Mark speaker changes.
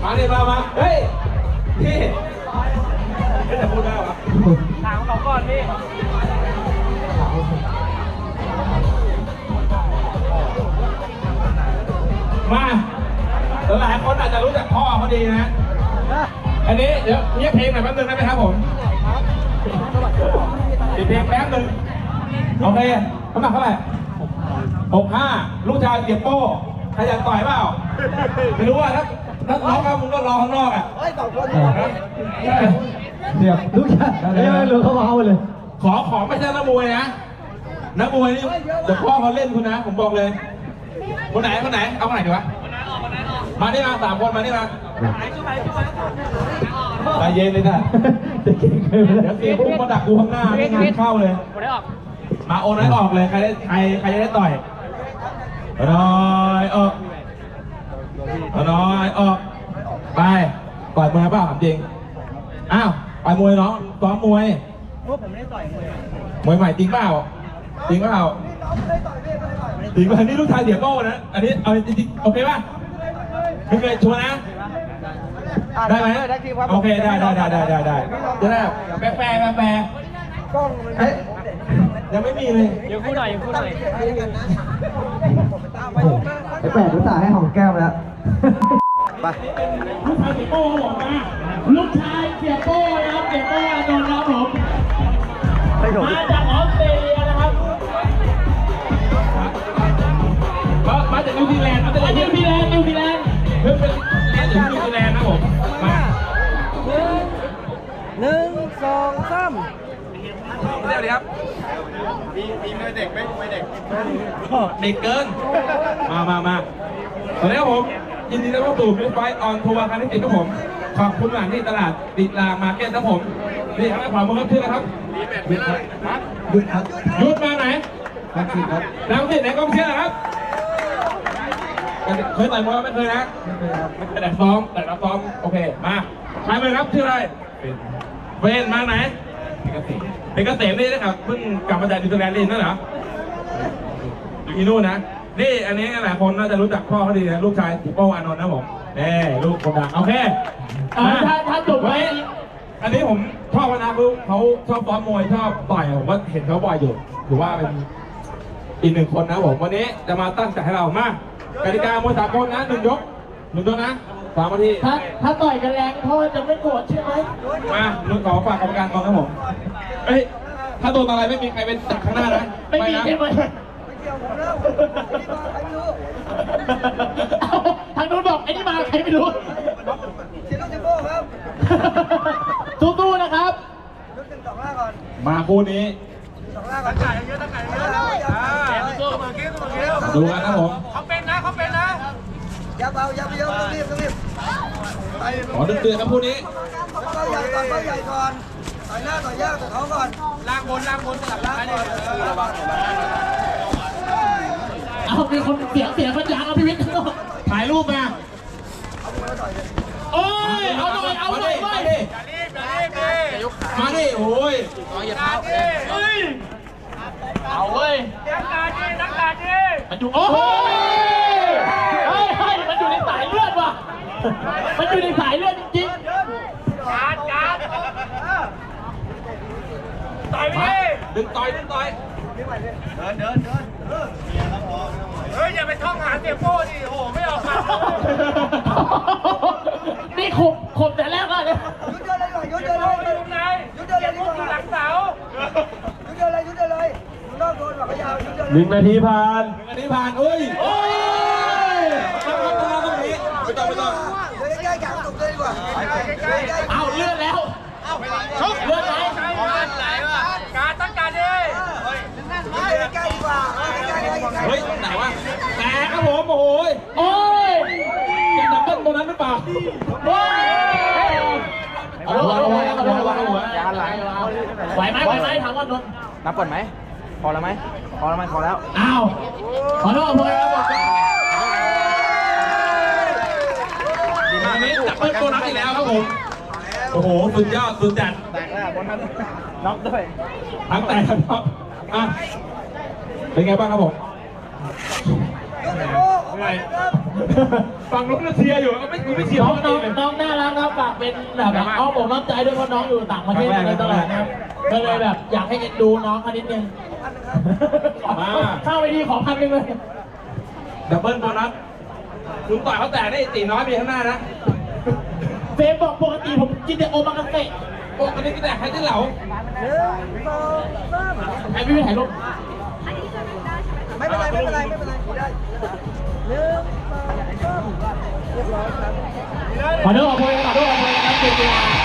Speaker 1: มาดิมาเฮ้ยพี่จะพูดได้หรอถามเขาก่อนพี่มาหลายคนอาจจะรู้จักพ่อเขาดีนะอันนี้เดี๋ยวเงียบเพลงหน่อยแป๊บนึงได้ไหมครับผมปิดเพลงแป๊บนึงโอเคน้ำหนักเท่าไหร่65ลูกชายเสียโป้ใครอยากต่อยเปล่าไม่รู้ว่าถ้าร้องครับมึงก็รอข้างนอกอ่ะ
Speaker 2: เดี๋ยวลูกชายไม่รู้เขาเอาเลย
Speaker 1: ขอไม่ใช่นักมวยนะนักมวยนี่เดี๋ยวพ่อเขาเล่นคุณนะผมบอกเลยคนไหนเอาคนไหนดีวะมานี่มา3 คนมานี่มาใจเย็นเลยนะเดี๋ยวเสียพุ่งมาดักกูข้างหน้าไม่งานเข้าเลยมาโอนให้ออกเลยใครจะได้ต่อยน้อยออกไปต่อยมวยเปล่าถามจริงอ้าวต่อยมวยน้องซ้อมมวยพวกผมไม่ได้ต่อยมวยใหม่จริงเปล่าจริงป่ะนี่ลูกชายเสียโก้นะอันนี้เอาจริงโอเคป่ะไม่เคยชวนนะได้ไหมโอเคได้จะได้แปลกล้องยังไม่มีเลยยังพูดหน่อย
Speaker 2: ไอ้แปดรู้สาให้หอมแก้มแล้วไป
Speaker 1: ลูกชายเสียโป้นะครับเสียโป้โดนรับผมมาจากออสเตรเลียนะครับมาจากนิวซีแลนด์เพิ่งเป็นเรียนจากนิวซีแลนด์นะผมมา
Speaker 2: 1 2 3
Speaker 1: เดี๋ยวครับมีมวยเด็กไหมมวยเด็กเด็กเกินมาตอนนี้ครับผมยินดีต้อนรับสู่บิ๊กไฟท์ออนทัวร์ครั้งที่10ครับผมขอบคุณหลังที่ตลาดดิลามาร์เก็ตครับผมนี่ครับขวามือครับชื่ออะไรครับยุดมาไหนรังสิตไหนกองเชียร์นะครับเคยต่อยมวยไม่เคยนะแต่รับซ้อมโอเคมาใครเลยครับชื่ออะไรเวนมาไหนเป็นเกษมนี่นะครับเพิ่งกลับมาจากนิวซีแลนด์นี่นั่นเหรออยู่ที่นู่นนะนี่อันนี้หลายคนน่าจะรู้จักพ่อเขาดีนะลูกชายสิโป้อานนท์นะผมนี่ลูกคนดังโอเคถ้าจบไว้อันนี้ผมชอบนะเขาชอบซ้อมมวยชอบต่อยผมว่าเห็นเขาบ่อยอยู่ถือว่าเป็นอีก1 คนนะผมวันนี้จะมาตั้งใจให้เรามากติกามวยสากลนะ1 ยกนะ3 นาที
Speaker 3: ถ้าต่อยกันแรงพ่อจะไม่โกรธใช่ไหม
Speaker 1: มาขอฝากกรรมการก่อนครับผมเฮ้ยถ้าโดนอะไรไม่มีใครเป็นจับข้างหน้านะ
Speaker 3: ไม่มีใช่ไหมทางนู้นบอกไอ้นี่มาใครไม่รู้
Speaker 2: เสียลูกจิโก้ครับ
Speaker 3: สู้ๆนะครับ
Speaker 2: ยก1 2 5ก่อน
Speaker 1: มาคู่นี้
Speaker 2: 2 5ก่อนตั้งใจเยอะ
Speaker 1: ดูกันนะผม
Speaker 2: เขาเป็นนะอย่าเบาต้องรีบ
Speaker 1: ขอดึงเตือนครับคู่นี้
Speaker 2: เบาใหญ่ก่อนต่อยหน้าต่อยยากต่อยเขาก่อนล่างบนสลับล่างก่อน
Speaker 3: เอามีคนเสียงมันยางเอาพี่วิทย์
Speaker 1: ถ่ายรูปมา
Speaker 3: โอ้ยเอาหน่อยเว้ย
Speaker 1: มาดิโอ้ย
Speaker 3: เอาเว้ยนักการดิมันอยู่โอ้ยมันอยู่ในสายเลือดว่ะมันอยู่ในสายเลือดจริงๆการต่อยไป
Speaker 1: ดึงต่อย
Speaker 2: เดิน
Speaker 3: เฮ้ยอย่าไปท่องหาเสียโป้ดิโอ้ไม่ออกมานี่ขบแต่แรกเลย
Speaker 2: ยุดเดินเลยหลังเสายุดเดินเลยนอกโดนหลังยาวยุดเดิน
Speaker 1: 1 นาทีผ่านเอ้ยตรงนี้ไม่ต้อง
Speaker 2: ใกล้ๆกลางตุกเลยดีกว่า
Speaker 3: เอาเลื่อนแล้วเลื่อนไหน
Speaker 2: การตั้งการดิใกล้ดีกว่า
Speaker 1: เฮ้ยไหนวะแตกครับผมโอ้ยจะดับเบิ้ลตัวนั้นหรือเปล่า
Speaker 3: เอาหัวยาไหลไหวไหมถามว่านนท์
Speaker 2: นับก่อนไหมพอแล้ว
Speaker 3: อ้าวขอโทษครับ
Speaker 1: อันนี้ดับเบิ้ลตัวนั้นอีกแล้วครับผมโอ้โหสุดยอดสุดจัด
Speaker 2: แตกแล้วบนนั้นน็อกด้วย
Speaker 1: ทั้งแตกทั้งน็อกอ่ะเป็นไงบ้างครับผมฝั่งนู้นก็เชียร์อยู่ก็ไม่กูไม่เชียร์
Speaker 3: น้อง
Speaker 1: เขาเองเลย
Speaker 3: น้องน่ารักครับฝากเป็นแบบอ้อมอกน้ำใจด้วยเพราะน้องอยู่ต่างประเทศมาเลยตลอดนะครับก็เลยแบบอยากให้เอ็นดูน้องเขานิดนึงเข้าไปดีขอ1,000เลย
Speaker 1: ดับเบิลโบนัสลุงต่อยเขาแตกได้ตีน้อยมีข้างหน้านะ
Speaker 3: เฟมบอกปกติผมกินแต่โอมากาเสะ
Speaker 1: โอ้กันนี้ก็แตกใครที่เหลา
Speaker 3: ไอพี่ไปถ่ายรูป
Speaker 2: ไม่เป็นไรได้1 2 3เรียบร้อยครับ
Speaker 3: ขอโทษขอโทษครับเกียรติ